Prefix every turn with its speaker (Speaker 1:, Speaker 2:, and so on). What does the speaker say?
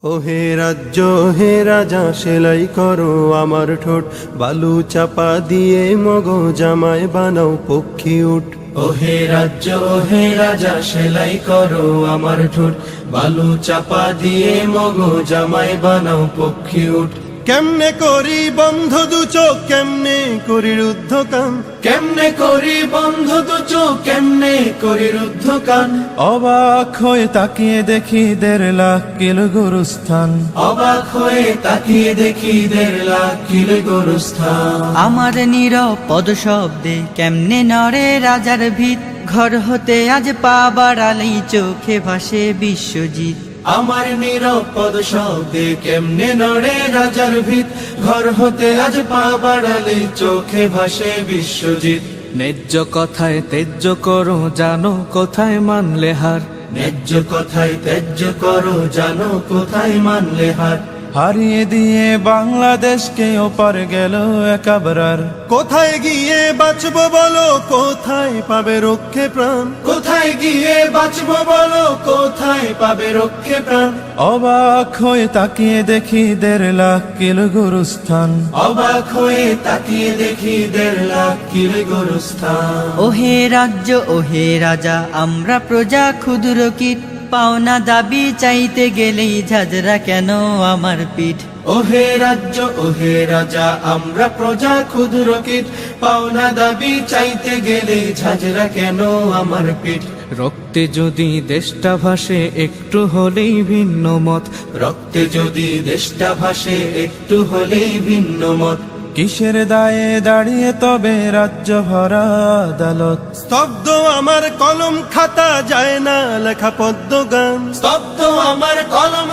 Speaker 1: ওহে রাজ্য হে রাজা সেলাই করো আমার ঠোঁট, বালু চাপা দিয়ে মগো জামাই বানাও পক্ষী উঠ।
Speaker 2: ওহে রাজ্য ওহে রাজা সেলাই করো আমার ঠোঁট, বালু চাপা দিয়ে মগো জামাই বানাও পক্ষী উঠ।
Speaker 1: কেমনে করি বন্ধ দু চোখ, কেমনে করি রুদ্ধ কান,
Speaker 2: কেমনে করি বন্ধ দু চোখ, কেমনে করি রুদ্ধ কান।
Speaker 3: অবাক হয়ে তাকিয়ে দেখি 1.5 লাখ কিলো গোরস্থান।
Speaker 2: অবাক হয়ে তাকিয়ে দেখি 1.5 লাখ কিলো গোরস্থান।
Speaker 4: আমার নিরপদ শব্দে কেমনে নড়ে রাজার ভিত, ঘর হতে আজ পা বাড়ালেই চোখে ভাসে বিশ্বজিৎ।
Speaker 2: আমার নিরপদ শব্দে কেমনে নড়ে রাজার ভিত, ঘর হতে আজ পা বাড়ালে চোখে ভাসে বিশ্বজিৎ।
Speaker 3: ন্যায্য কথায় তেজ্য করো, জানো কোথায় মানলে হার।
Speaker 2: ন্যায্য কথায় ত্যায্য করো, জানো কোথায় মানলে হার।
Speaker 3: হারিয়ে দিয়ে বাংলাদেশকে ওপার গেল একাবরার।
Speaker 1: কোথায় গিয়ে বাঁচবো বলো, কোথায় পাবে রক্ষে প্রাণ।
Speaker 2: কোথায় গিয়ে বাঁচবো বলো, কোথায় পাবে রক্ষে প্রাণ।
Speaker 3: অবাক হয়ে তাকিয়ে দেখি 1.5 লাখ কিলো গোরস্থান।
Speaker 2: অবাক হয়ে তাকিয়ে দেখি 1.5 লাখ কিলো গোরস্থান।
Speaker 4: ওহে রাজ্য ওহে রাজা আমরা প্রজা ক্ষুদ্র কীট, পাওনা দাবি চাইতে গেলেই ঝাঁঝরা কেন আমার পিঠ।
Speaker 2: ওহে রাজ্য ওহে রাজা আমরা প্রজা ক্ষুদ্র কীট, পাওনা দাবি চাইতে গেলে ঝাঁঝরা কেন আমার পিঠ।
Speaker 3: রক্তে যদি দেশটা ভাসে একটু হলেই ভিন্ন মত,
Speaker 2: রক্তে যদি দেশটা ভাসে একটু হলেই ভিন্ন মত।
Speaker 3: কিসের দায়ে দাঁড়িয়ে তবে রাজ্য ভরা আদালত।
Speaker 1: স্তব্ধ আমার কলম খাতা, যায় না লেখা পদ্ম গান।
Speaker 2: স্তব্ধ আমার কলম